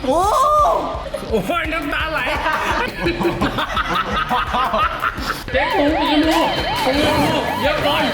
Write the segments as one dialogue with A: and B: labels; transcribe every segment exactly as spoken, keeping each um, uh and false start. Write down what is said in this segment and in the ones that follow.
A: โอ้
B: โอ้ยน้ำตาไหลเจ๊ปูปูลูกปูลูกเยอะก่อน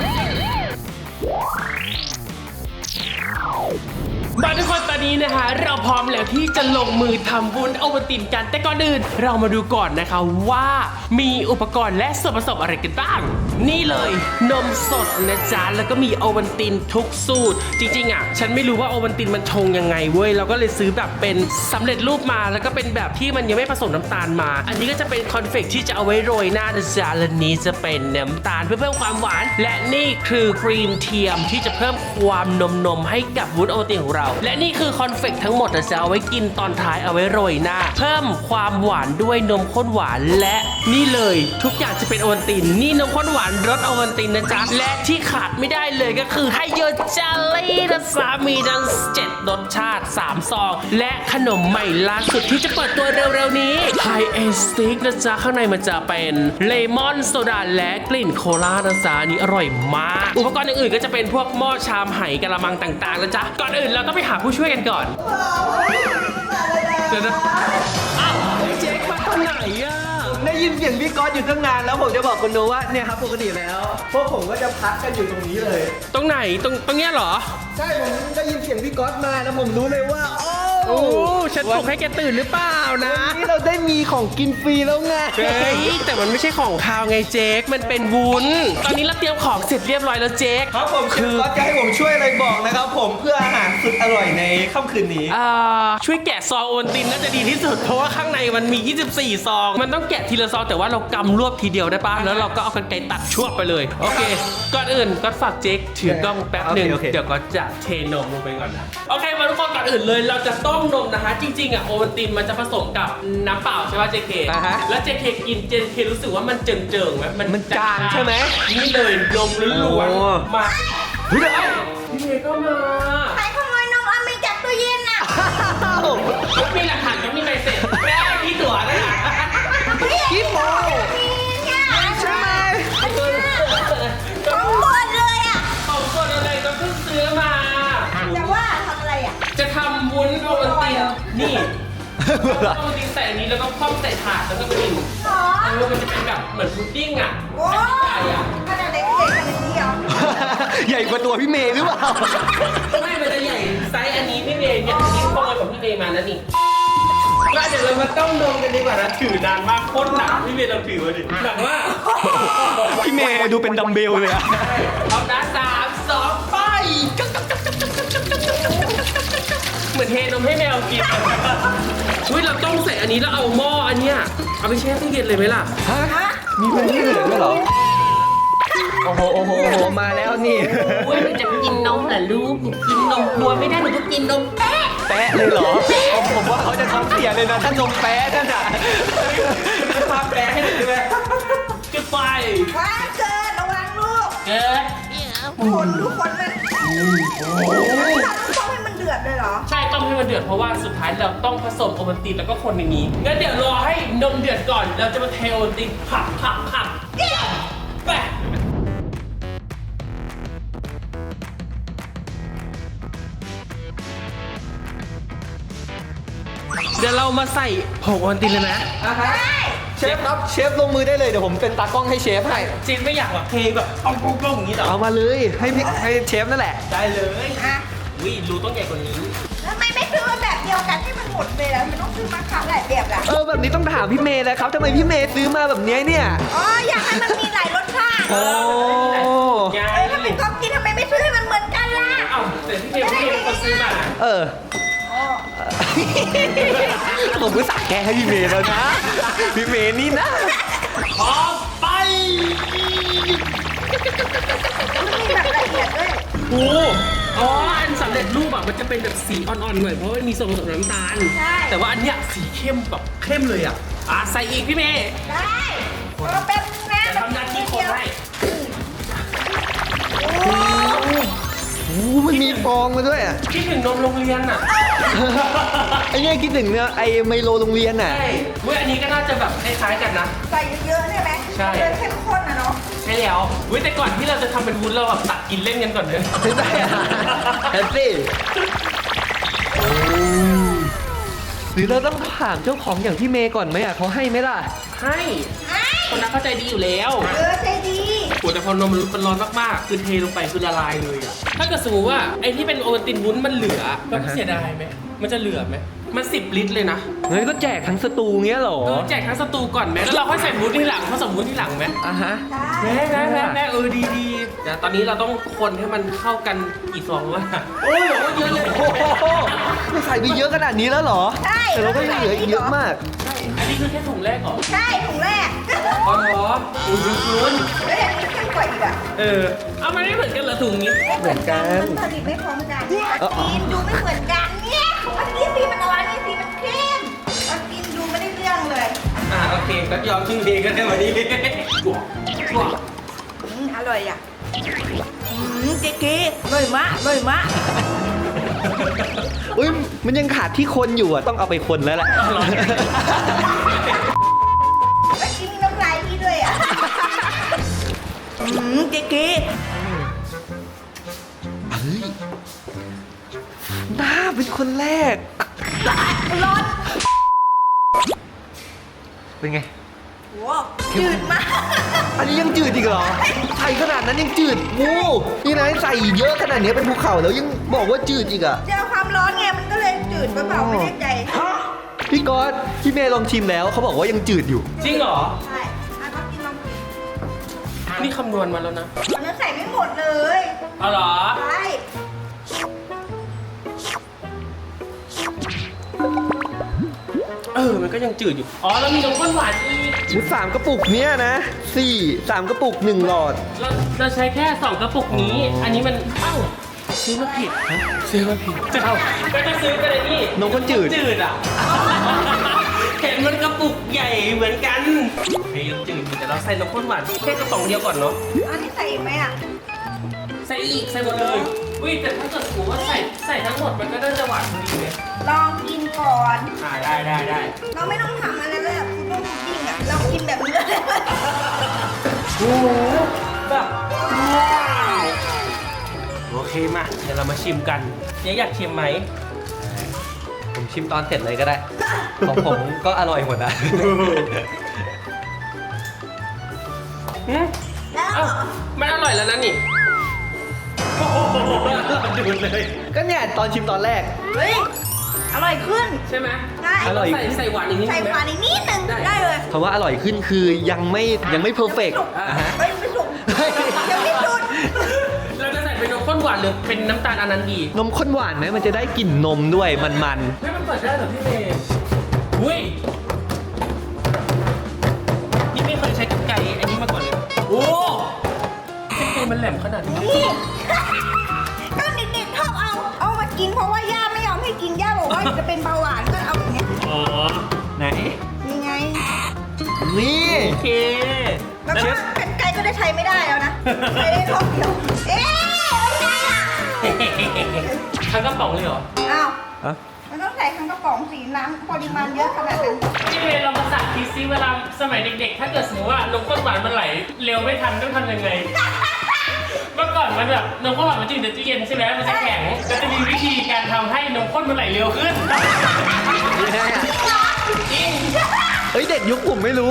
B: มาทุกคนตอนนี้นะคะเราพร้อมแล้วที่จะลงมือทำวุ้นโอวัลตินกันแต่ก่อนอื่นเรามาดูก่อนนะคะว่ามีอุปกรณ์และส่วนผสมอะไรกันบ้างนี่เลยนมสดนะจ๊ะแล้วก็มีโอวัลตินทุกสูตรจริงๆอ่ะฉันไม่รู้ว่าโอวัลตินมันชงยังไงเว้ยเราก็เลยซื้อแบบเป็นสำเร็จรูปมาแล้วก็เป็นแบบที่มันยังไม่ผสมน้ำตาลมาอันนี้ก็จะเป็นคอนเฟกที่จะเอาไว้โรยหน้านะจ๊ะและนี้จะเป็นน้ำตาลเพื่อเพิ่มความหวานและนี่คือครีมเทียมที่จะเพิ่มความนมนมให้กับวุ้นโอวัลตินของเราและนี่คือคอนเฟกทั้งหมดจะเอาไว้กินตอนท้ายเอาไว้โรยหน้าเพิ่มความหวานด้วยนมข้นหวานและนี่เลยทุกอย่างจะเป็นโอวัลตินนี่นมข้นหวานรสโอวัลตินนะจ๊ะและที่ขาดไม่ได้เลยก็คือไฮโยเจลลี่นะจ๊ะมีทั้งเจ็ดรสชาติสามซองและขนมใหม่ล่าสุดที่จะเปิดตัวเร็วๆนี้ไฮเอสติกนะจ๊ะข้างในมันจะเป็นเลมอนโซดาและกลิ่นโคลานะจ๊ะนี่อร่อยมากอุปกรณ์อื่นๆก็จะเป็นพวกหม้อชามไหกระมังต่างๆนะจ๊ะก่อนอื่นเราต้องไปหาผู้ช่วยกันก่อนเดี๋ยวนะอ้าวเจ๊มาตอนไหนอ่ะ
A: ได้ยินเสียงพี่ก๊อตอยู่ตั้งนานแล้วผมจะบอกคุณโนว่าเนี่ยครับปกติแล้วพวกผมก็จะพักกันอยู่ตรงนี้เลย
B: ตรงไหนตรงตรงเนี้ยเหรอ
A: ใช่ผมได้ยินเสียงพี่ก๊อตมาแล้วผมรู้เลยว่าโอ้
B: โอ้ฉันปลุกให้แกตื่นหรือเปล่านะ
A: วันนี้เราได้มีของกินฟรีแล้วไง
B: เฮ้ยแต่มันไม่ใช่ของคาวไงเจ๊กมันเป็นวุ้นตอนนี้เราเตรียมของเสร็จเรียบร้อยแล้วเจ๊ก
A: ครับผมคือก๊อตจะให้ผมช่วยอะไรบอกนะครับผมเพื่ออาหารสุดอร่อยในค่ำคืนนี้
B: อ่าช่วยแกะซองโอวัลตินน่าจะดีที่สุดเพราะว่าข้างในมันมียี่สิบสี่ซองมันต้องแกะทีละซองแต่ว่าเรากำรวบทีเดียวได้ปะแล้วเราก็เอากรรไกรตัดช่วงไปเลยโอเคก่อนอื่นก็ฝากเจ๊กถือกล้องแป๊บหนึ่งเดี๋ยวก็จะเทนมลงไปก่อนนะโอเคมาทุกคนก่อนอื่นเลยเราจะต้มนมนะคะจริงๆอ่ะโอวัลตินมันจะผสมกับน้ำเปล่าใช่ป่ะเจเคแล้วเจเคกินเจเครู้สึกว่ามันเจิงๆไหม
A: มันจางใช่ไหม
B: นี่เลยนมล้วนๆมาพี่เมย์ก็มา
C: ใครขโมยนมอเมริจากตู้เย็นน่ะ
B: แล้วมีหลักฐานก็มีใบเสร็จแม่พี่ตั๋วนะ
A: พี่โม
C: ใช่ไหมของหมดเลยอ่ะ
B: ของหมดเลยก็เพิ่งซื้อมา
C: แต่ว่าทำอะไรอ่ะ
B: จะทำวุ้นโอวัลตินนี่โอวัลตินใส่อันนี้แล้วก็คว่ำใส่ถาดแล้วก็กินอ๋อมันจะเป็นแบบเหมือนพุดดิ้งอ่ะ
C: โอ้ยขนาดเล็กใหญ่ขนาดนี้เหรอ
A: ใหญ่กว่าตัวพี่เมย์หรือเปล่า
B: ไม่มันจะใหญ่ไซส์อันนี้พี่เมย์เนี่ยอันนี้ขโมยของพี่เมย์มาแล้วนี่ก็เดี๋ยวเรามาต้มนมกันดีกว่านะถือนานมากโคตรหนักพี่เมย์เราถือมาดิหนักมาก
A: พี่เมย์ดูเป็นดัมเบลเลยอะ
B: เอาด้านสามสองไปเหมือนเทนมให้แมวกินอุ้ยเราต้องใส่อันนี้แล้วเอาหม้ออันเนี้ยเอาไปแช่ตู้เย็นเลยไหมล่ะ
A: ฮะมีเป็นที่เหลือด้วยเหรอโอ้โหโอ้โหโอ้โหมาแล้วนี่
B: อุ้ยมันจะกินนมเหรอลูกกินนมกลัวไม่ได้หนูก็กินนมแปะ
A: แปะเลยเหรอผมว่าเขาจะทำเสียเลยนะถ้านมแปะนั่นอ่ะ
B: จะทำแปะให้หนูด้วยจุดไฟ
C: ว้าเกิดระวังลูก
B: เกิด
C: คนทุกคนมันต้องให้มันเดือดเลยเหรอ
B: ใช่ต้องให้มันเดือดเพราะว่าสุดท้ายเราต้องผสมโอวัลตินแล้วก็คนในนี้งั้นเดี๋ยวรอให้นมเดือดก่อนเราจะมาเทโอวัลตินผักผักผักแปะเดี๋ยวเรามาใส่ผงโอวัลตินเลยนะ
A: เชฟครับเชฟลงมือได้เลยเดี๋ยวผมเป็นตากล้องให้เชฟให้
B: จีนไม่อยากแบบเทแบบเอาโก้งๆอย่างนี้หรอ
A: เอามาเลยให้พี่ให้เชฟนั่นแหละ
B: ได้เลยวิรูต้องใหญ่กว่านี้
C: ทำไมไม่ซื้อมาแบบเดียวกันให้มันหมดเลยแล้วมันต้องซื้อมาครั้งหลายแบบล่ะ
A: เออแบบนี้ต้องถามพี่เมย์เลยครับทำไมพี่เมย์ซื้อมาแบบนี้เนี่ย
C: อ๋ออยากให้มันมีหลายรสชาติ
A: โอ้
C: เออถ้าเป็นก๊อฟกินทำไมไม่ซื้อให้มันเหมือนกันล่ะ
B: เอ้าแต่พี่เมย์พี่เมย์เป็นคนซื้อมา
A: เออผมก็สั่งแกให้พี่เมย์แล้วนะพี่เมย์นี่นะ
B: พอไป
C: มีแบบละเอียดด้วย
B: โอ้อ๋ออันสำเร็จรูปอ่ะมันจะเป็นแบบสีอ่อนๆหน่อยเพราะว่ามีส่วนผสมน้ำตาลแต่ว่าอันเนี้ยสีเข้มแบบเข้มเลยอ่ะอ่ะใส่อีกพี่เมย์
C: ได้เอาเป็นนะ
B: ทำหน้าที่คนให้
A: โอ้มันมีฟองมาด้วยอ่ะ
B: คิดถึงนมโรงเรียนอ่ะ
A: ไอ้เนี่ยคิดถึงเนี่ยไอ้ไมโลโรงเรียนอ่ะ
B: ใช่เว้ยอันนี้ก็น่าจะแบบคล้ายๆกันนะ
C: ใส่เยอะๆใช่ไหมใช่เข้มข้นนะเนาะ
B: ใช่แล้วเว้ยแต่ก่อนที่เราจะทำเป็นวุ้นเราแบบตักกินเล่นกันก่อนเลย
A: ใช่แฮปปี้หรือเราต้องถามเจ้าของอย่างพี่เมย์ก่อนไหมอ่ะเขาให้ไหมล่ะ
B: ให้
C: ไอ้
B: คนนั้นเข้าใจดีอยู่แล้ว
C: เออใจดี
B: โอ้แต่พอนมมันร้อนมากๆคือเทลงไปคือละลายเลยอะถ้าเกิดสมมติว่าไอ้ที่เป็นโอวัลตินวุ้นมันเหลือก็เสียดายไหมมันจะเหลือไหมมันสิบลิตรเลยนะ
A: งั้นก็แจกทั้งสตูเงี้ยเหรอ
B: เออแจกทั้งสตูก่อนไหมแล้วเราค่อยใส่วุ้นที่หลังผสมวุ้นที่หลังไหม
A: อ่ะฮะ
C: ได้
B: แม่แม่แม่แม่เออดีดีแต่ตอนนี้เราต้องคนให้มันเข้ากันกี่ฟองวะโอ้ยบอกว่าเยอะเลย
A: โอ้โหไม่ใส่ไปเยอะขนาดนี้แล้วเหรอ
C: ใช่
A: แต่เราก็ยังเหลืออีกเยอะมาก
B: ใช่อันนี้คือแค่ถุงแรกเหรอ
C: ใช่ถุงแรก
B: อ๋อเหรออุ้ยคุ้น
C: เฮ้ยอันนี้เข้มกว่าอีกอ่ะ
B: เออเอามันไม่เหมือนกันเหรอถุงนี้
A: เหมือนกัน
C: มันผลิตไม่พร้อมกันปลาจีนดูไม่เหมือนกันเนี่ยปลาจีนสีมันอ่อนนี่สีมันเข้มปลาจีนดูไม่ได้เรื่องเลย
B: อ่าโอเคก็ยอมชื่อเพลงก็ได้วันนี้กลัวกลัว
C: อืมอร่อยอ่ะอืมเก๋ๆอร่อยมากอร่อยมาก
A: อุ้ยมันยังขาดที่คนอยู่อ่ะต้องเอาไปคนแล้วแหละ
C: ปลาจีนมีน้ำลายพี่ด้วยอ่ะอืมเก๋
A: เฮ้ยน้าเป็นคนแรก
C: ๆร้อน
A: เป็นไง
C: โหจืดมาก
A: อันนี้ยังจืดอีกเหรอใส่ขนาดนั้นยังจืดโอ้นี่นะใส่เยอะขนาดนี้เป็นภูเขาแล้วยังบอกว่าจืดอีกอ่ะ
C: เจอความร้อนไงมันก็เลยจืดเปล่าๆไม่แน่ใจ
A: พี่ก๊อตพี่เมย์ลองชิมแล้วเขาบอกว่ายังจืดอยู่
B: จริงเหรอ
C: ใช่อ่ะก็กินลองกิน
B: นี่คำนวณมาแล้วนะ
C: มันนั้นใส่ไม่หมดเลย
B: เอาเหรอ
C: ใช่
B: เออ มันก็ยังจืดอยู่ อ๋อ แล้วมีนมข้นหวานอีก
A: ชุดสามกระปุกเนี้ยนะสี่สามกระปุกหนึ่งหลอด
B: เราเราใช้แค่สองกระปุกนี้ อันนี้มัน เอ้า ซื้อมาผิดฮะซื้อมาผิดเอ้าก็จะซื้อกันเลยนี่
A: นมข้นจืด
B: จืดอ่ะ เห็นมันกระปุกใหญ่เหมือนกันเฮ้ยยังจืดอยู่แต่เราใส่นมข้นหวานแค่กระป๋องเดียวก่อนเนาะ
C: อันนี้ใส่อีกไหมอ่ะ
B: ใส่อีก ใส่หมดเลยอุ้ยแต่ถ้าเกิดสมมติว่าใส่ใส่ทั้งหมดมันก็น่าจะหวานพอดีเลย
C: ลองกินก่อน
B: อ่าได้ได้ได้
C: เราไม่ต้องทำอะไรเลยอะคุณต้องจริงอ่ะ เรากินแบบนี้เลย
B: โอ้โหแบบว้าวโอเคมาเดี๋ยวเรามาชิมกันเจ๊อยากชิมไหม
A: ผมชิมตอนเสร็จเลยก็ได้ ของผมก็อร่อยหมดอ่ะ
B: หืม
C: แล้ว
B: เอ้ามันอร่อยแล้วนะนี่โอ้โหดูดเลย
A: ก็เนี่ยตอนชิมตอนแรก
C: เฮ้ย อร่อยขึ้น
B: ใช่ไหม
C: ได้
A: อร่อย
B: ใส่ใส่หวานอีกนิด
C: ใส่
B: นึง
C: หวาน
B: ไหม
C: อีกนิดนึง
B: ได้
C: ได้เลย
A: คำว่าอร่อยขึ้นคือยังไม่ยังไม่เพอร์เฟกต์
C: ยังไม่สุกไม่สุกยังไม่สุด
B: เราจะใส่เป็นนมข้นหวานหรือเป็นน้ำตาลอันนั้นดี
A: นมข้นหวานไหมมันจะได้กลิ่นนมด้วยมัน
B: เฮ้ยมันเปิดได้เหรอพี่เมย์อุ้ยนี่ไม่เคยใช้กรรไกรอันนี้มาก่อนเลยโอ้กรรไกรมันแหลมขนาดนี้
C: นี่ก็เด็กๆชอบเอา เอามากินเพราะว่าย่าไม่ยอมให้กินย่าบอกว่าจะเป็นเบาหวานก็เอาอย่างเงี้ย
B: อ๋อ
A: ๆไหน
C: นี่ไง
A: นี่
B: โอเค
C: แล้วก็กันไกลก็ได้ใช้ไม่ได้แล้วนะใช้ได้รอบเดียว เอ๊ะไม่ใช่อ่ะ
B: ทั้งกระป๋องเลยเหรอ
C: อ้าว
A: อะ
C: มันต้องใส่ทั้งกระป๋องสีน้ำปริมาณเยอะขนาดนั้น
B: พี่เมย์เรามาสาธิตซิเวลาสมัยเด็กๆ ถ้าเกิดสมมติว่านมข้นหวานมันไหลเร็วไม่ทันต้องทำยังไง เมื่อก่อนมันแบบนมข้นหวานมันจะอยู่ในตู้เย็นใช่ไหมมันจะแข็งก็จะมีวิธีการทำให้นมข้นมันไหลเร็วขึ้น
A: ยังไงอะ
B: จริง
A: เฮ้ยเด็กยุคผมไม่รู้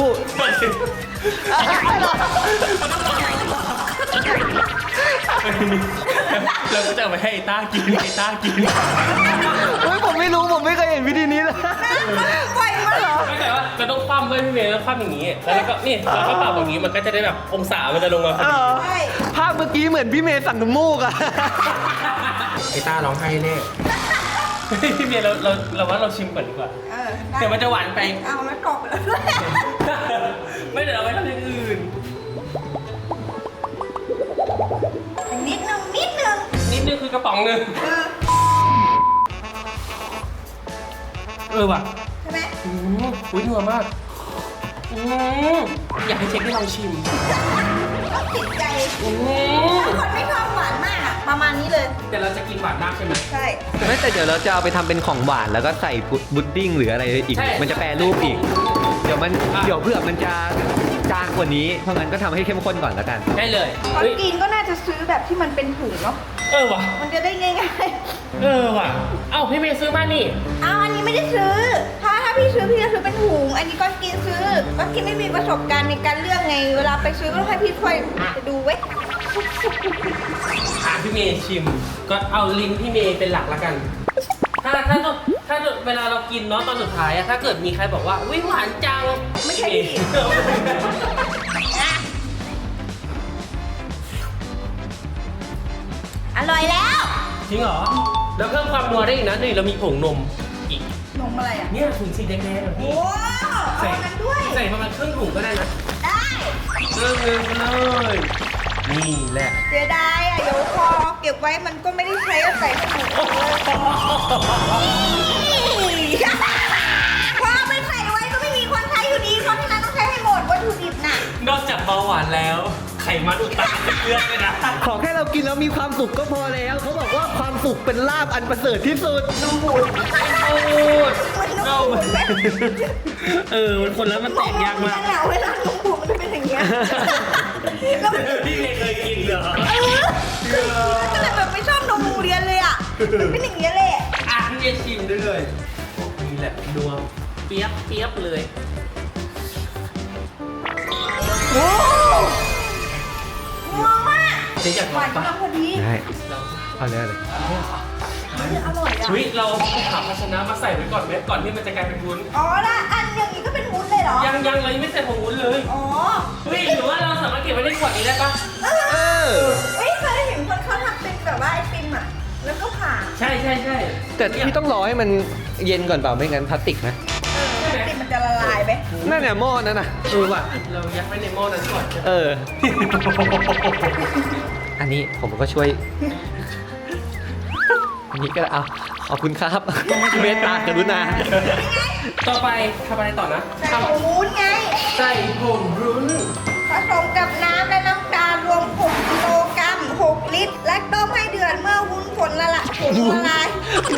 B: เราก็จะเอาไปให้ไอ้ต้ากินไอ้ต้ากิน
A: เฮ้ยผมไม่รู้ผมไม่เคยเห็นวิธีนี้เลย
C: ปล่อยมาเหรอ
B: ไม่แต่ว่าเราต้องคว่ำด้วยพี่เมย์ต้องคว่ำอย่างนี้ แล้วก็นี่เราก็เป่าอย่างนี้มันก็จะได้แบบองศามันจะลงมาพอดี
C: ใช่
A: ภาพเมื่อกี้เหมือนพี่เมย์สั่งน้ำมูกอะ
B: ไอ้ต้าร้องไห้แน่พี่เมย์เราเราเราว่าเราชิมก่อนดีกว่า
C: เออได้
B: เดี๋ยวมันจะหวานไป
C: เอาแล้วกรอบไปแล้วด้วย
B: ไม่เดี๋ยวเราไปทำอย่างอื่น
C: นิดนึงนิดนึง
B: นิดนึงคือกระป๋องหนึง
C: เออ
B: เออว่ะ
C: ใช่ไหม
B: อืมอุ้ยนัวมากอืมอยากให้เช็คให้ลองชิม
C: ต้องติดใจ
B: อืม
C: ถ้าคนไม่ชอบหวานมากอะประมาณนี้เลย
B: แต่เราจะกินหวานมากใช่ไหม
C: ใช่
A: ไม่แต่เดี๋ยวเราจะเอาไปทำเป็นของหวานแล้วก็ใส่พุดดิ้งหรืออะไรอีก
B: ใช่
A: มันจะแปรรูปอีก เดี๋ยวมัน
B: อ่ะ
A: เดี๋ยวเพื่อมันจะจางกว่านี้เพราะงั้นก็ทำให้เข้มข้นก่อนแล้วกัน
B: ได้เลย
C: ตอน
B: เฮ้ย
C: กินก็น่าจะซื้อแบบที่มันเป็นถุงเนาะ
B: เออว่ะ
C: มันจะได้ง่าย
B: เออว่ะ เอ้าพี่เมย์ซื้อมานี่
C: ๆเอาอันนี้ไม่ได้ซื้อ ถ้าถ้าพี่ซื้อพี่จะซื้อเป็นถุง อันนี้ก็กินซื้อ ก็กินไม่มีประสบการณ์ในการเลือกไง เวลาไปซื้อก็ต้องให้พี่ช่วยไปดูไว้
B: อ่ะพี่เมย์ชิม ก็เอาลิ้นพี่เมย์เป็นหลักละกัน ถ้าถ้าถ้าเวลาเรากินเนาะตอนสุดท้ายอะถ้าเกิดมีใครบอกว่าวิหวานจัง
C: ไม่ใช่พี่ อร่อยแล้ว
B: จริงเหรอ แล้วเพิ่มความนัวได้อีกนะนี่เรามีผงนมอีก
C: นมอะไรอ่ะ
B: เนี่ยถุงสีแดงๆแบบ
C: โอ้
B: นี้
C: เอาอันนั้นด้วย
B: ใส่ประมาณครึ่งถุงก็ได้นะ
C: ได้
B: เริ่มเลยเลยนี่แหละ
C: เสียดายอ่ะ เดี๋ยวพอเก็บไว้มันก็ไม่ได้ใช้เอาใส่ถุงพอไปใส่ไว้ก็ไม่มีคนใช้อยู่ดี เพราะฉะนั้นต้องใช้ให้หมดวัตถุดิบน่ะ
B: นอกจากเบาหวานแล้ว ไขมันอุดตันเป็นเลือดเลยนะ
A: ขอแค่เรากินแล้วมีความสุขก็พอแล้วเขาบอกว่าความสุขเป็นลาภอันประเสริฐที่สุด
C: นมบูด
B: มันนมบูด
C: มันนมบูด
B: เออมันคนแล้วมันแตกยากมาก
C: เหงาเวลานมบูดมันจะเป็นอย่างเงี้ยแล้วมัน
B: พี่เมย์เคยกินเหรอ
C: เออก็เลยแบบไม่ชอบนมบูเรียนเลยอ่ะมันเป็นอย่างเงี้ยเลย
B: อ่ะพี่เมย์ชิมด้วยเลยนี่แหละดวงเปียบเปียบเลย
C: โอ้งงมาก
B: เจ๊อยาก
C: ห
B: ลอ
C: วาง น
B: ปะ
C: กำลังพอดี
A: ได้ เอาเลยเอาเลย
C: เฮ้ยอร่อยอ่ะ
B: เฮ้ยเราหาภาชนะมาใส่ไว้ก่อนไหมก่อนที่มันจะกลายเป็นวุ้น
C: อ๋อละอันอย่างนี้ก็เป็นวุ้นเลยเหรอ
B: ยังยังเรายังไม่ใส่ผงวุ้นเลย
C: อ๋อ
B: เฮ้ยหรือว่าเราสามารถเก็บไว้ในขวดนี้ได้ปะ
C: เอ
A: เอ
C: อ
A: อ
C: เฮ้ยเคยเห็นคนเขาทำเป็นแบบว่าไอติมอ่ะ แล้วก็ผ่า
B: ใช่ใช่ใช่
A: แต่พี่ต้องรอให้มันเย็นก่อนเปล่าไม่งั้นพลาสติกนะ
C: เออไอติมมันจะละลายไหม
A: นั่นน่ะหม้อนั่นน่ะ
B: เออว่ะเรายัดไว้ในหม้อนั้นก่อน
A: เออ อันนี้ผมก็ช่วย อันนี้ก็เอาขอบคุณครับเมตตากรุณา
B: ต่อไปทำอะไรต่อนะ
C: ใส่ผงวุ้นไง
B: ใส่ผงรุ้น
C: ผสมกับน้ำและน้ำตาลรวมหกกิโลกรัมหกลิตร และต้มให้เดือดเมื่อวุ้นผลละละผลละลาย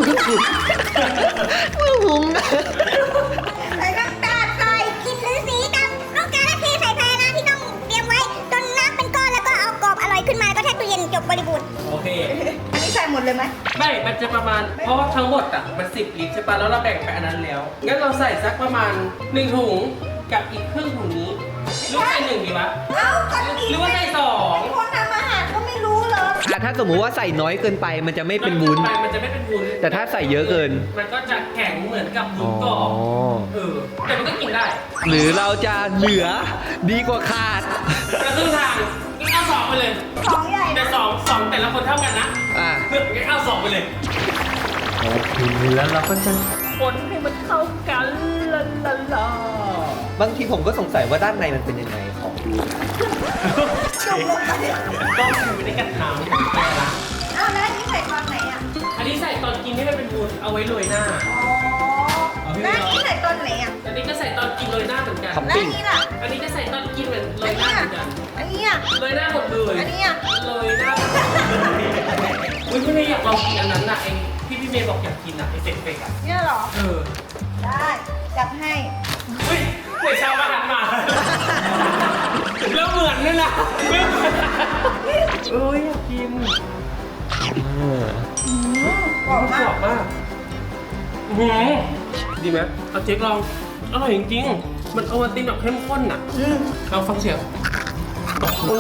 A: หุง
C: ใส่น้ำตาลใส่
D: กินหรือสีดำต้องการเทใส่ภาชนะที่ต้องเตรียมไว้จนน้ำเป็นก้อนแล้วก็เอากรอบอร่อยขึ้นมาแล้วก็แช่ตู้เย็นจบบริบูรณ์
B: โอเค
C: อันนี้ใส่หมดเลยไหม
B: ไม่ มันจะประมาณ เพราะว่าทั้งหมดอ่ะ มันสิบลิตรใช่ปะแล้วเราแบ่งไปอันนั้นแล้ว งั้นเราใส่สักประมาณหนึ่งถุงกับอีกครึ่งถุงนี้หรือว่าใส่หนึ่งดีวะ
C: เอ้าตอนนี้
B: หรือว่าใส่สอง
C: คนทำอาหารก็ไม่รู้เหรอ
A: อ่ะถ้าสมมุติว่าใส่น้อยเกินไปมันจะไม่เป็นวุ้น
B: ไปมันจะไม่เป็นวุ้น
A: แต่ถ้าใส่เยอะเกิน
B: มันก็จะแข็งเหมือนกับวุ้นกรอบ
A: อ๋อ
B: เออ แต่มันก็กินได้
A: หรือเราจะเหลือดีกว่าขาด
B: แต่ครึ่งทางงั้นเอาสองไปเลย
C: ของใหญ่
B: แต่
C: นะ
B: สองสองแต่ละคนเท่ากันนะ
A: อ่ะ
B: งั้นเอาสองไปเลย
A: โอเคแล้วเราก็จะ
B: คนให้มันเข้ากันลาลาลา
A: บางทีผมก็สงสัยว่าด้านในมันเป็นยังไงของดู
C: จุ่มลงไป
B: ต้องอยู่ในกระถางนะ
C: เอ้าแล้วอันนี้ใส่ตอนไหนอ่ะ
B: อันนี้ใส่ตอนกินให้มันเป็นวุ้นเอาไว้โรยหน้า
C: อ๋อแล้วอันนี้ใส่ตอนไหนอ่ะ
B: อันนี้ก็ใส่ตอนกินโรยหน้าเหมือนกัน
A: ท็อป
C: แล้ว
A: ปิ้
C: อั
A: ง
C: นนี้ล่ะ
B: อันนี้ก็ใส่ตอนกินเหมือนโร
C: อั
B: ย
C: น
B: หน้า
C: นี้
B: เห
C: อ่ะ
B: มือนกัน
C: อันนี้อ่ะ
B: โรยหน้าหมดเลย
C: อันนี้อ่ะ
B: โรยหน้าหมดเลยอุ้ยพี่เมย์อยากลองกินอันนั้นน่ะไอ้ที่พี่เมย์บอกอยากกินอ่ะไอ้เฟกเฟกอ่ะ
C: เนี่ยเหรอ
B: เออ
C: ได้จัดให้
B: เฮ้ยเหมือนชาวบ้านมาแล้วเหมือนด้วยนะไม่เหมือนเอ้ยอยากกิน
A: เออ
C: อืมกรอบ
B: ก
C: มาร
B: อก บมากหืมดีไหมเอาเจ๊กลอง อร่อยจริงๆ มันโอวัลตินแบบเข้มข้นอ่ะ
C: อืม
B: เราฟังเสียง
C: อื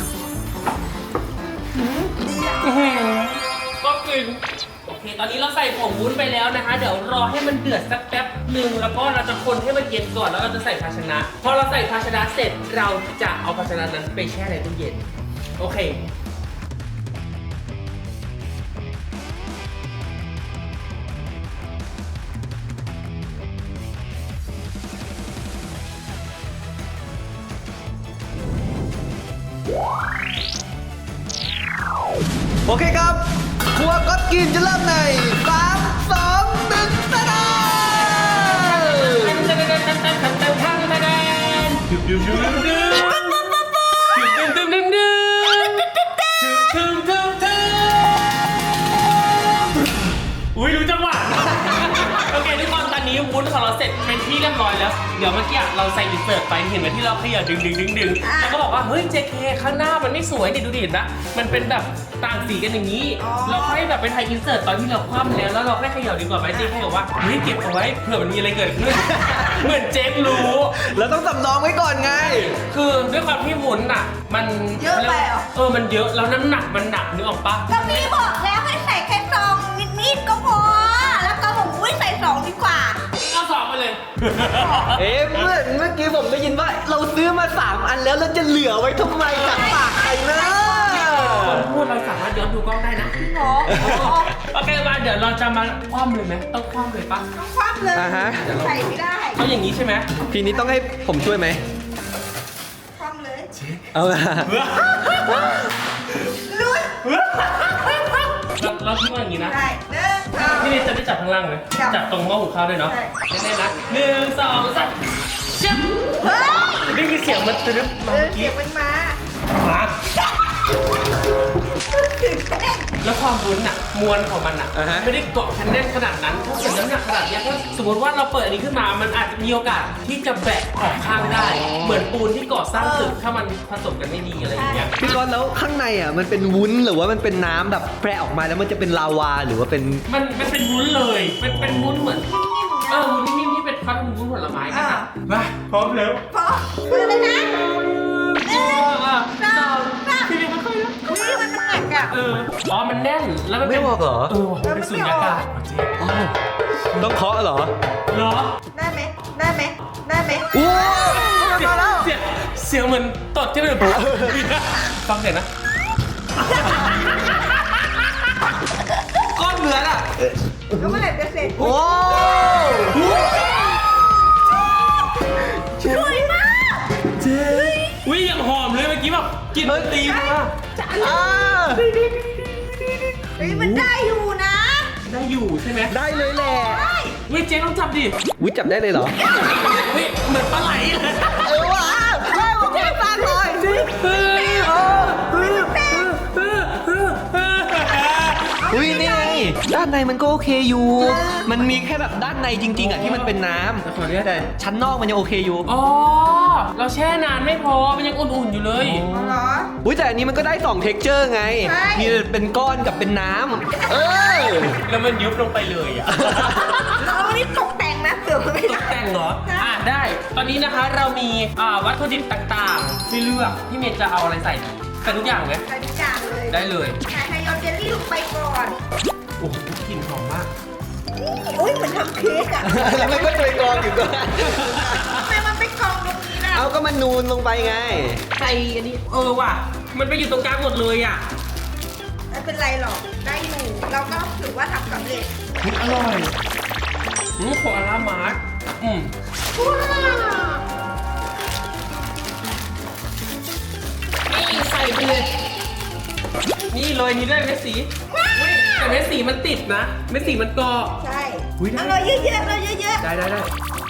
C: มดีอ่ะ
B: อื้อหือก็กิน โอเค ตอนนี้เราใส่ผงวุ้นไปแล้วนะคะ เดี๋ยวรอให้มันเดือดสักแป๊บหนึ่งแล้วก็เราจะคนให้มันเย็นก่อน แล้วเราจะใส่ภาชนะ พอเราใส่ภาชนะเสร็จ เราจะเอาภาชนะนั้นไปแช่ในตู้เย็น โอเค
A: โอเคครับ ครัวก็กินจะเริ่มในสามสองหนึ่งตะดา
B: อุ้ยรู้จังหวะ โอเคทุกคนตอนนี้วุ้นของเราเสร็จเป็นที่เรียบร้อยแล้วเดี๋ยวเมื่อกี้เราใส่อินเสิร์ตไปเห็นไหมที่เราขยับดึงดึงดึงดึงแล้วก็บอกว่าเฮ้ย เจ เค ข้างหน้ามันไม่สวยดิดูดินะมันเป็นแบบต่างสีกันอย่างนี้เราค่อยแบบไปถ่ายอินเสิร์ตตอนที่เราคว่ำแล้วแล้วเราค่อยขยับดีกว่าไหม เจ เค บอกว่าเฮ้ยเก็บเอาไว้เผื่อมันมีอะไรเกิดขึ้น เหมือนเจ๊รู้
A: เราต้องสำรองไว้ก่อนไง
B: คือด้วยความที่วุ้นอ่ะมัน
C: เยอะไปเหรอ
B: เออมันเยอะแล้วน้ำหนักมันหนักนึกออกปะ
C: ก็พี่บอกแล้วให้ใส่แค่ซองนิดๆก็พอ แล้วก็บอกอุ้ยใส่สองดีกว่า
B: เอาสองไปเลย
A: เอ๊ะเมื่อเมื่อกี้ผมได้ยินว่าเราซื้อมาสามอันแล้วเราจะเหลือไว้ทำไมจากปากใครนะ
B: คนพูดเราสามารถย้อนดูกล้องได้นะ
C: หรอ
B: โอเคมาเดี๋ยวเราจะมาคว่ำเลยไหมต้องคว่ำเลยปะ
C: ต้องคว่ำเลย
A: อ่าฮะ
C: ใส่ไม่ได้
B: เอาอย่างนี้ใช่ไหม
A: ทีนี้ต้องให้ผมช่วยไหม
C: คว่ำเลย
A: เอาละ
C: ลุ้น
B: เราเราทิ้งไว้อย่างนี้นะ
C: ได้เด้อเอา
B: พี่เนยจะได้จับข้างล่างเลย
C: จับ
B: จับตรงหม้อหุงข้าวด้วยเนาะ
C: ใช่
B: แน่ๆนะหนึ่งสองสามเชื่อม
C: เฮ้ย
B: ได้ยินเสียงมันตึ๊บ
C: เอ
B: มา
C: อ
B: เมื่อ
C: เสี
B: กี้
C: ยงมันมา
B: มา
C: ตื่นเต้น
B: แล้วความรุนอะมวลของมันอะ
A: อ่าฮะ
B: ไม่ได้เกาะแน่นขนาดนั้นถ้าเกิดน้ำหนักขนาดเนี้ยถ้าสมมติว่าเราเปิดอันนี้ขึ้นมามันอาจจะมีโอกาสที่จะแบะออกข้างได้ เหมือนปูนที่ก่อสร้างตึกถ้ามันผสมกันไม่ดีอะไรอย่างเงี้ย
A: พี่ก้อนแล้วข้างในอ่ะมันเป็นวุ้นหรือว่ามันเป็นน้ำแบบแปรออกมาแล้วมันจะเป็นลาวาหรือว่าเป็น
B: มันมันเป็นวุ้นเลยเป็นเป็นวุ้นเหมือน
C: นิ่มๆ
B: เอ
C: นะ
B: อวุ้นนิ่มๆที่เป็นฟันวุ้นผลไม้กันอะมาพร้อมแล้ว
C: พอมือเลยนะหนึ่ง
B: อ่ะ
C: สองสาม
B: พี่เนยค่อยๆนะ
C: อุ้ยมันหนักอ่ะ
B: เอออ๋อมันแน่นแล้วมัน
A: ไม่
B: เป็น
A: บอกเหรอ
B: เออมันเป็นสุญญากาศเจ๊
A: อ้าวต้องเคาะเหรอ
B: เหรอ
C: ได้ไหมได้ไหมได้ไหม
A: โอ้
B: เสียงเสียงเสียงเหมือนตดที่มันแบบฟังเสียงนะ
A: ก้อนเหมือนอ่ะ
C: แล้วเมื่อไหร่จะเสร็จ
A: โอ้
C: สวยมาก
A: เจ๊
B: อุ้ยยังหอมเลยเมื่อกี้แบบกลินมันตีมา
A: อ่า
C: เฮ้ยมันได้อยู่นะ
B: ได้อยู่ใช่ไหม
A: ได้เลยแหละ
C: ได้
B: เฮ้ยเจ๊ต้องจับดิ
A: วิจับได้เลยเหรอ
B: เฮ้ยเหมือนปลาไหลเลย
A: เออว่ะแม่ผมไม่ฟังเลย
B: เฮ้ย
A: เออเฮ้ยอุ้ยนี่ไงด้านในมันก็โอเคอยู่ มันมีแค่แบบด้านในจริงๆอ่ะที่มันเป็นน้ำ
B: ขอเรียก
A: แต่ชั้นนอกมันยังโอเคอยู่
B: อ๋อเราแช่นานไม่พอมันยังอุ่นๆอยู่เลย
C: เอาเหรอ
A: อุ้ยแต่อันนี้มันก็ได้สองเท็กเจอร์ไง
C: ใช่
A: มีเป็นก้อนกับเป็นน้ำเออ
B: แล้วมันยุบลงไปเลยอ่ะ
C: เราเอาอันนี้ตกแต่งนะเผื่อมันไม่
B: ต
C: ได้
B: กแต่งเหรอ อ่าได้ ตอนนี้นะคะเรามีอ่าวัตถุดิบต่างๆที่เลือกพี่เมย์จะเอาอะไรใส่ดีใส่ทุกอย่างไหม
C: ใส่ทุกอย่างเลย
B: ได้เลย
C: ใส่ไฮโดรเจลลี่ลงไปก่อน
B: โอ้โหกลิ่นหอมมาก
C: นี่โอ้ยเหมือนทำเค้กอะ
A: แล้วมันก็ตัวกรองอยู่ก็
C: ทำไมมันไปกองตรงนี้ล่ะ
A: เอาก็มันนูนลงไปไง
B: ใส่อันนี้ เออว่ะ มันไปอยู่ตรงกลางหมดเลยอ่ะ
C: ไม่เป็นไรหรอก ได้อยู่ เราก็ถือว่าทำสำเร็จ
B: อร่อยนี่ของอารามาร์ทอืม นี่ใส่ไปเลย นี่โรยนี้ด้วยเม็ดสีอุ๊ยแต่เม็ดสีมันติดนะ เม็ดสีมันเกาะ
C: ใช่
B: อุ๊ยได้
C: เอาเลยเยอะๆเลยเยอะ
B: ได้ได้ได้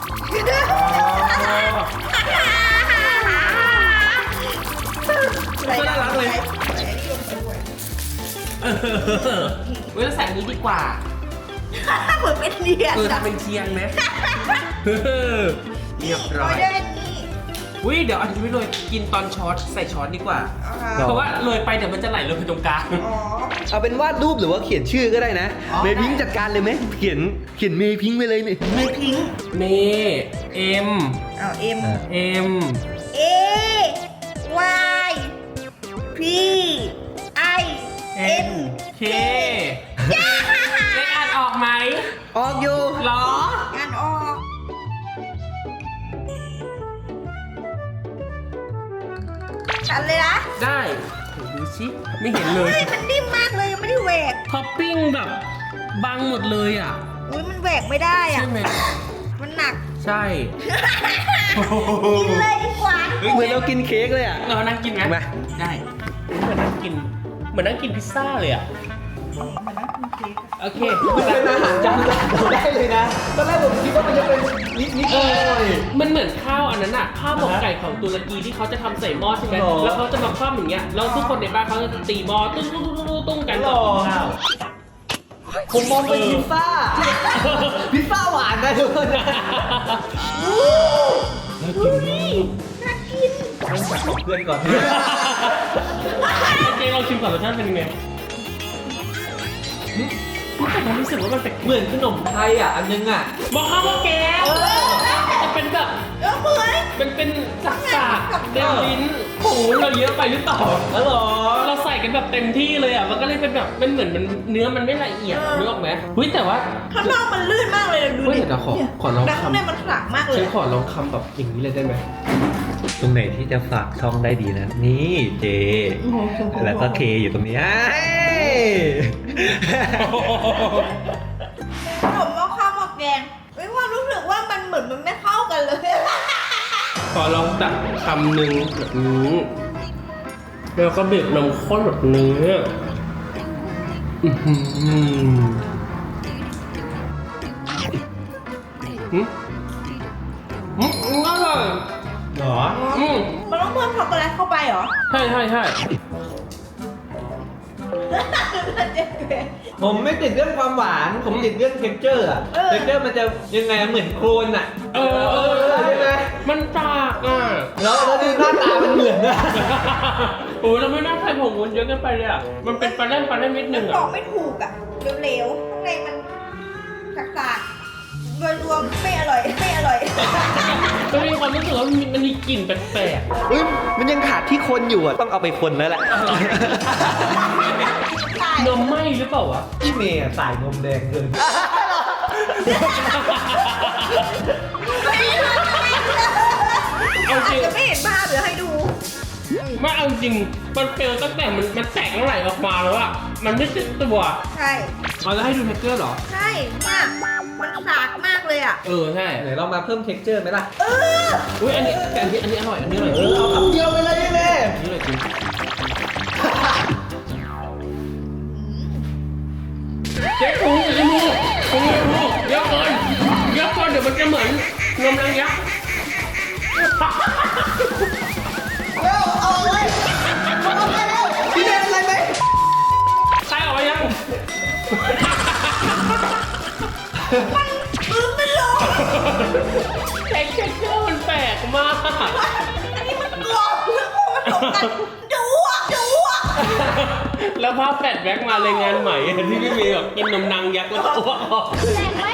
C: ๆ
B: ก็น่ารักเลย
C: ใส่อันนี้ลงไปด้วย
B: เออเว้ยเราใส่อันนี้ดีกว่า
C: เหมือนเป็นเดียน
B: เออ
C: อะ
B: ทำเป็นเทียนไหมเรียบร้อย
C: นี่โรยด้วยนี่
B: อุ้ยเดี๋ยวอันนี้ไม่โรยกินตอนช้อนใส่ช้อนดีกว่า
C: เอาค่ะ
A: หรอ
B: เพราะว่าโรยไปเดี๋ยวมันจะไหลลงไปตรงกลาง
C: อ๋อ
A: เอาเป็นวาดรูปหรือว่าเขียนชื่อก็ได้นะ
B: อ๋อ
A: เมย์พิงค์จัดการเลยไหมเขียนเขียนเมย์พิงค์ไปเลยนี่
C: ไม่ทิ้ง
B: เมเอ็ม
C: เอาเอ็ม
B: เอ็ม
C: เอ Y P I
B: เอ็น
C: N
B: เคเล็กอ่านออกไหม
A: ออกอยู่
B: หรอ
C: งานออกชันเลยนะ
B: ได้โอ้ดูสิไม่เห็นเลย
C: เฮ้ยมันนิ่มมากเลยยังไม่ได้แหวก
B: ท็อปปิ้งแบบบังหมดเลยอ่ะ
C: อุ้ยมันแหวกไม่ได้
B: ใช่
C: อ่ะ
B: ไหม
C: มันหนัก
B: ใช่
C: กินเลยดีกว่า
A: เหมือนเรากินเค้กเลยอ่ะ
B: เรานั่งกินไหม
A: มา
B: ได้เหมือนนั่งกิน เหมือนนั่งกินพิซซ่าเลยอ่ะ โอเค
A: เป็นอาหารจานหลักได้เลยนะตอนแรกผมคิดว่ามันจะเป็นนิดนิดห
B: เอ
A: น่อย
B: อมันเหมือนข้าวอันนั้นอะข้าวหมกไก่ของตุรกีที่เขาจะทำใส่หม้อใช่ไหม
A: หรอ
B: แล้วเขาจะมาคว่ำอย่างเงี้ย แล้วทุกคนในบ้านเขาจะตีหม้อตุ้งตุ้งตุ้งตุ้งตุ้งกัน
A: หร
B: ก่อ
A: อ
B: นกินข้าว
A: ผมมองเป็นพิซซ่าพิซซ่าหวานนะทุกคน
C: ดูนี่น่ากิน
A: ต้องจับเพื่อนก่อน
B: เจ๊ลองชิมก่อนรสชาติเป็นยังไงแต่ผมรู้สึกว่ามันแปลก
A: เหมือนขนมไทยอ่ะอันนึงอ่ะ
B: บอกข้าวว่าแก้วจะเป็นแบบ
C: เออเหมือน
B: เป็นเป็นสักสากเต็มลิ้นโอ้โหเราเยอะไปหรือเปล่า
A: แล้วหรอ
B: เราใส่กันแบบเต็มที่เลยอ่ะมันก็เลยเป็นแบบมันเหมือนมันเนื้อมันไม่ละเอียดนึกออกไหมเฮ้ยแต่ว่า
C: ข้างนอกมันลื่นมากเลยดู
B: เฮ้ย
C: ดิ
B: เดี๋ยวขอขอลอง
C: แต่ข้างใน
B: คำ
C: มันขลักมากเลย
B: ฉันขอลองคำแบบอย่างนี้เลยได้ไหม
A: ตรงไหนที่จะฝากช่องได้ดีนะ นี่เจ
C: โอ้โห
A: แล้วก็เคอยู่ตรงนี้
C: ขนมหม้อข้าวหม้อแกงมีความรู้สึกว่ามันเหมือนมันไม่เข้ากันเลย
B: ขอลองตักคำหนึ่งแบบนี้แล้วก็บีบนมข้นแบบนี้อือหืออืมอืมอร่อย
A: หรอ
B: อืม
C: มันต้องเพิ่มช็อกโกแลตเข้าไปเหรอ
B: ใช่ใช่ใช่
A: ผมไม่ติดเรื่องความหวาน ผมติดเรื่องเท็กเจอร์อะเท็กเจอร์มันจะยังไงเหมือนโคลนอะ
B: เออเออ
A: ใช่ไหม
B: มันตากอ่ะ
A: แล้วแล้วดูหน้าตามันเหมือนนะ
B: โอ้ยเราไม่น่าใส่ผงวุ้นเยอะเกินไปเลยอ่ะมันเป็นปลาแรมปลาแรมนิดนึง
C: บอ
B: อ่ะ
C: กไม่ถูกอ่ะเหลวๆข้างในมันสักๆโดยรวมไม่อร่อยไม่อร่อย
B: มันมีความรู้สึกว่ามันมีมันมีกลิ่นแปลก
A: เฮ้ยมันยังขาดที่คนอยู่อะต้องเอาไปคนแล้วแหละ
B: ๆนมไหมหรือเปล่าวะ
A: พี่เมย์สายนมแดงเกิน
B: เอาจริง
C: จะไม่เห็นภาพเดี๋ยวให้ดู
B: ไม่เอาจริงมันเฟลตั้งแต่มันมันแตกไหลออกมาแล้วอะมันไม่ติดตัว
C: ใช่
B: เราจะให้ดูเท็กเจอร์เหรอ
C: ใช่เนี่ยมันสากมากเลยอ่ะ
B: เออใช่
A: ไหนเรามาเพิ่มเท็กเจอร์ไหมล่ะ
C: เออ
B: อุ้ยอันนี้แต่อันนี้อันนี้อร่อยอันนี้อร่อย
A: เออเอาคำเดียวไปเลยพี่เมย์
B: อันนี้อร่อยจริงเจ๊ถุงอย่าจะมูถุงอย่าจะมูเยอะเกินเยอะเกินเดี๋ยวมันจะเหมือนนมนางยักษ์
A: เร็วเอาเลยเอาไปเร็วพี่เมย์เป็นไรไหม
B: ใครออกมายัง
C: มือไม่ลง
B: เท็กเจอร์มันแปลกมาก
C: อันนี้มันกรอบเลยมันผสมกันดูอ่ะดูอ่ะ
B: แล้วภาพแฟลชแบ็กมาเลยงานใหม่ที่พี่เมย์แบบกินนมนางยักษ์แล้วอ้วกออก
D: แรงไหม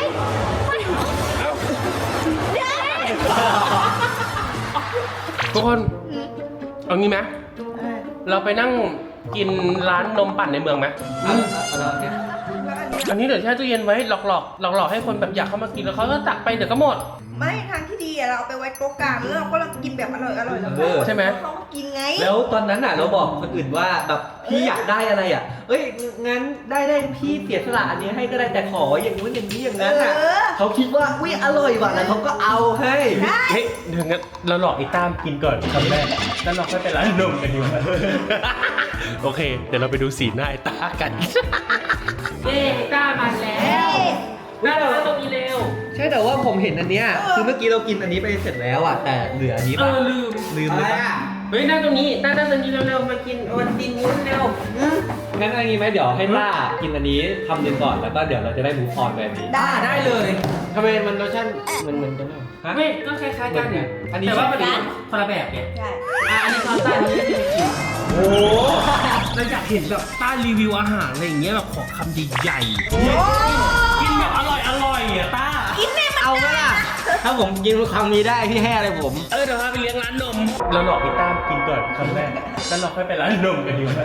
B: ทุกคนเอางี้ไหมเราไปนั่งกินร้านนมปั่นในเมืองไหม
A: เอาเอาเอาเนี่ย
B: อันนี้เดี๋ยวแช่ตู้เย็นไว้หลอกหลอกหลอกหลอกๆให้คนแบบอยากเข้ามากินแล้วเขาก็ตักไปเดี๋ยวก็หมด
C: ไม่ทางที่ดีอะเราเอาไปไว้โต๊ะกลางแล้วเราก็กินแบบอร่อยอร่อยแล้วก็
B: ใช่ไหม
C: เขามากินไง
A: แล้วตอนนั้นอ่ะเราบอกคนอื่นว่าแบบพี่อยากได้อะไรอ่ะ เอ้ยงั้นได้ได้พี่เสียสละอันนี้ให้ก็ได้แต่ขออย่างนู้นอย่างนี้อย่างนั้นอ่ะ
C: เออ
A: เขาคิดว่าอุ้ยอร่อยว่ะแล้วเขาก็เอาให้
C: ได้
B: เฮ้ยเดี๋ยวงั้นเราหลอกไอ้ตามกินก่อนคำแรกแล้วเราค่อยไปร้านนมกันดีกว่า โอเค เดี๋ยวเราไปดูสีหน้าไอ้ตากันเย้ไอ้ตามาแล้วน่าเราตรงนี้เร็ว
A: ใช่แต่ว่าผมเห็นอันเนี้ยคือเมื่อกี้เรากินอันนี้ไปเสร็จแล้วอ่ะแต่เหลืออันนี้
B: เอ
A: ป่ะ
B: อลืม
A: ลืมเลยป่ะ
B: เฮ้ยนั่งตรงนี้ต้านั่งตรงนี้เร็วๆมากินโอวัลตินวุ้นเร็ว
A: งั้นอันนี้ไหมเดี๋ยวให้ต้ากินอันนี้ทำหนึ่งก่อนแล้วก็เดี๋ยวเราจะได้มูฟออนแบบนี้
C: ได้
B: ได้เลยทำไมมันรสชาติมันเหมือนกันเหรอ
A: ฮะ
B: ไม่ก็คล้ายๆกัน
A: เหมือนกันอันนี้
B: แต่ว่ามันคนละแบบไง
C: ใช่
B: อ่ะอันนี้ตอนต้าอันนี้ไม่ได้กิน
A: โอ้โห
B: เราอยากเห็นแบบต้ารีวิวอาหารอะไรอย่างเงี้ยแบบขอคำใหญ่
C: โอ้
B: ๆกินแบบอร่อยอร่อยๆอ่ะต้า
C: กินแม่มัน
A: เอาไหมล่ะถ้าผมกินคำนี้ได้พี่ให้อะไรผม
B: เออเดี๋ยวพาไปเลี้ยงร้านนมเราหลอกพี่ต้ามกินก่อนคำแรกแล้วเราค่อยไปร้านนมกันดีกว่า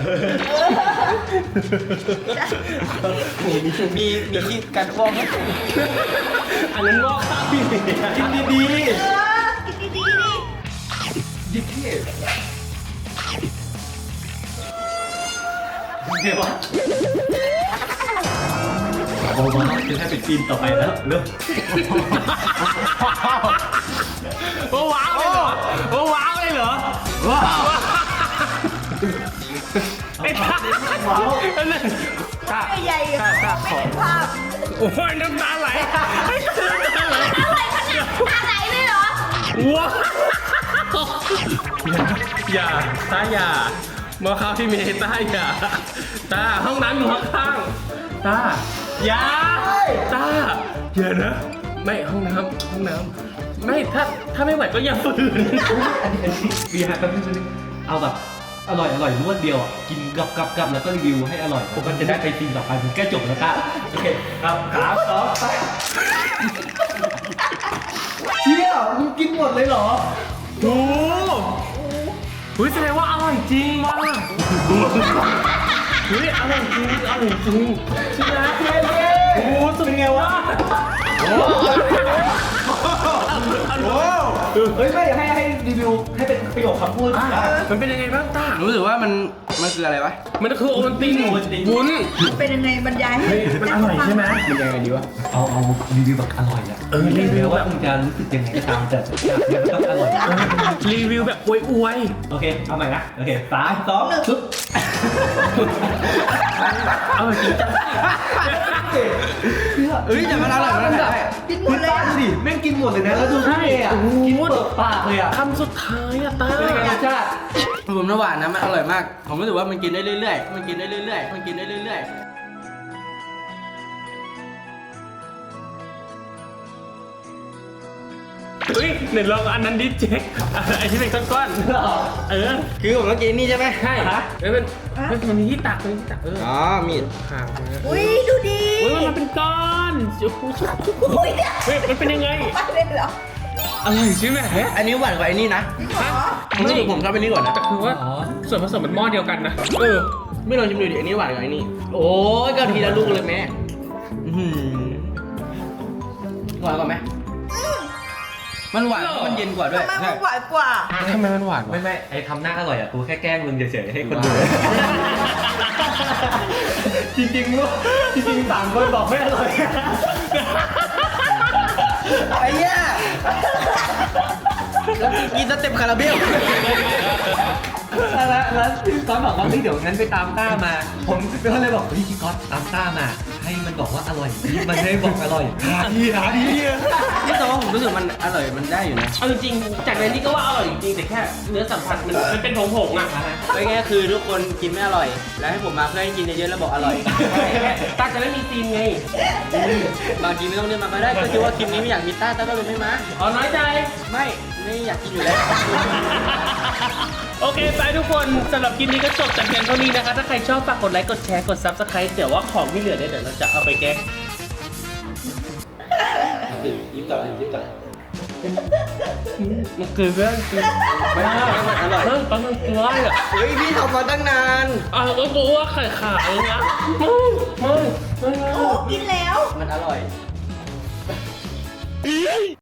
A: มีมีมีมีที่การฟ้องไหม
B: อันนั้นงอกต้าพี่
A: กินดี
C: เออกินดีๆดิ
A: ๆยิ่งเท่เดี๋ยววะโอ้มาจะให้เป็นซีนต่อไปแล้วเริ่ม
B: โอ้ว้าวเลยเหรอโอ้ว้าวเลยเหรอ
A: ว้าว
B: ไอ้ต้า
A: ว้าว
B: อันนั้นต้า
C: ใหญ่ๆ
B: ต้าต้า
C: ไม่
B: ขอ
C: เห็นภาพ
B: โอ้ยน้ำตาไหลน้ำตาไหล
D: อะไรขนาดตาไหลเลยเหรอ
B: ว้าวอย่าต้าอย่ามาเข้าที่เมย์ต้าอย่าต้าห้องน้ำอยู่ข้างๆต้าอย่าตาอย่านะไม่ห้องน้ำห้องน้ำไม่ถ้าถ้าไม่ไหวก็อย่าฝืน
A: อันนี้อันนี้เบียร์แป๊บนึงแป๊บนึงเอาแบบอร่อยอร่อยรวดเดียวอ่ะกินกับกับกับแล้วก็รีวิวให้อร่อยผมก็จะได้ไปซีนต่อไปมันแก้จบแล้วค่ะโอเคครับสามสองไปเชี่ยมึงกินหมดเลยเหรอ
B: โอ้โหแสดงว่าอร่อยจริงว่ะเฮ้ยอร่อยจริงอร่อยจริงใช่ไหมโอ้โหสุดไงวะโอ้โห
A: เฮ้ยไม่ให้ให้รีวิวให้เป็นประโยคคำพูด
B: มันเป็นยังไงบ้างต้า
E: รู้สึกว่ามันมันคืออะไรวะ
B: มันคือโอวัลตินวุ้น
C: เป็นยังไงบรรยายให้
B: มันอร่อยใช่ไหม
E: มันยังไงดีวะ
A: เอาเอารีวิวแบบอร่อยอ่ะ
B: เออรีวิว
A: ว่ามึงจะรู้สึกยังไงก็ตามแต่ต้องอร่อย
B: รีวิวแบบอวย
A: โอเคเอาใหม่นะโอเคสามสองหนึ่ง
B: ๆอร่อยจริงจัง
E: เอ้ยแต่มันอร่อยมันอร่อย
C: กินหมดเลย
A: ดูดิแม่งกินหมดเลยนะแล้วดูพี่เมย์อ่ะกินเปิดปากเลยอ่ะ
B: คำสุดท้ายอะต้า
A: เป็นยังไงรสชาติ
E: ผมระหว่างนะมันอร่อยมาก ผมรู้สึกว่ามันกินได้เรื่อยๆ มันกินได้เรื่อยๆ มันกินได้เรื่อยๆ
B: เฮ้ยเดี๋ยวลองอันนั้นดิเจ๊กไอ้ที่เป็นก้อนๆเออ
E: คือผมต้องกินนี่ใช่ไหม
B: ใช่เออมันมันมันมีที่ตักมันมีที่ตักเออ
E: อ๋อ มีด
B: ห่างนะ
C: อุ้ยดูดี
B: เฮ้ยมันเป็นก้อนโอ้โห
C: อุ้ยเนี่ย
B: เฮ้ยมันเป็นยังไง
C: มาเลยเหรอ
B: อร่อยใช่ไหม
E: อันนี้หวานกว่าไอ้นี่นะ
B: ฮะ
E: ผมรู้สึกผมชอบไอ้นี่กว่านะ
B: แต่คือว่าส่วนผสมมันหม้อเดียวกันนะเออ
E: ไม่ลองชิมดูดิ อันนี้หวานกว่าไอ้นี่ โอ้ยก็ทีละลูกเลยแม่อื้อหือหวานกว่าไหมมันหวานเพราะมันเย็นกว่าด้วย
C: ทำไมมันหวานกว่า
B: ทำไมมันหวาน
A: ไม่
B: วะ
A: ไม่ไอ้ทำหน้าอร่อยอ่ะกูแค่แกล้งมึงเฉยๆให้คนดูจริงๆลูกจริงๆสามคนบอกไม่อร่อย
E: ไอ้เนี้ยแล้วกินสเต็ปคาราเบล
A: แล้วแล้วพี่ก๊อตบอกว่าเฮ้ยเดี๋ยวงั้นไปตามต้ามา ผมก็เลยบอกเฮ้ยพี่ก๊อตตามต้ามา ให้มันบอกว่าอร่อยมันไม่ได้บอกอร่อยหาดีหาดี
E: นี่แต่ว่าผมรู้สึกมันอร่อย มันได้อยู่นะ
B: เอาจริงๆจากในนี้ก็ว่าอร่อยจริงๆแต่แค่เนื้อสัมผัสมันมันเป็นผงๆอ่ะ
E: ไม่แค่คือทุกคนกินไม่อร่อย แล้วให้ผมมาเพื่อให้กินเยอะๆแล้วบอกอร่อย
B: ตาจะไม่มีซีนไง
E: บางทีไม่ต้องเรียกมาก็ได้ ก็คิดว่าคลิปนี้ไม่อยากมีต้าต้าก็เลยไม่มา
B: อ๋อน้อยใจ
E: ไม่ ไม่อยากกินอยู่แล้ว
B: โอเคไปทุกคนสำหรับคลิปนี้ก็จบแต่เพียงเท่านี้นะคะ ถ้าใครชอบฝากกดไลค์กดแชร์กด ซับสไครบ์ เดี๋ยวว่าของที่เหลือเนี่ยเดี๋ยวเราจะเอาไปแก้
E: ยิ้มต่อยิ้มต่อ
B: มันคือเรื่องจริง
E: ไม่ได้มันอร่อย
B: เฮ้ยตอนมันคืออะไรอ่ะ
E: เฮ้ยพี่ทำมาตั้งนาน
B: อ่ะก็รู้ว่าไข่ขาวนะมึงมึงมึง
C: โอ้กินแล้ว
E: มันอร่อย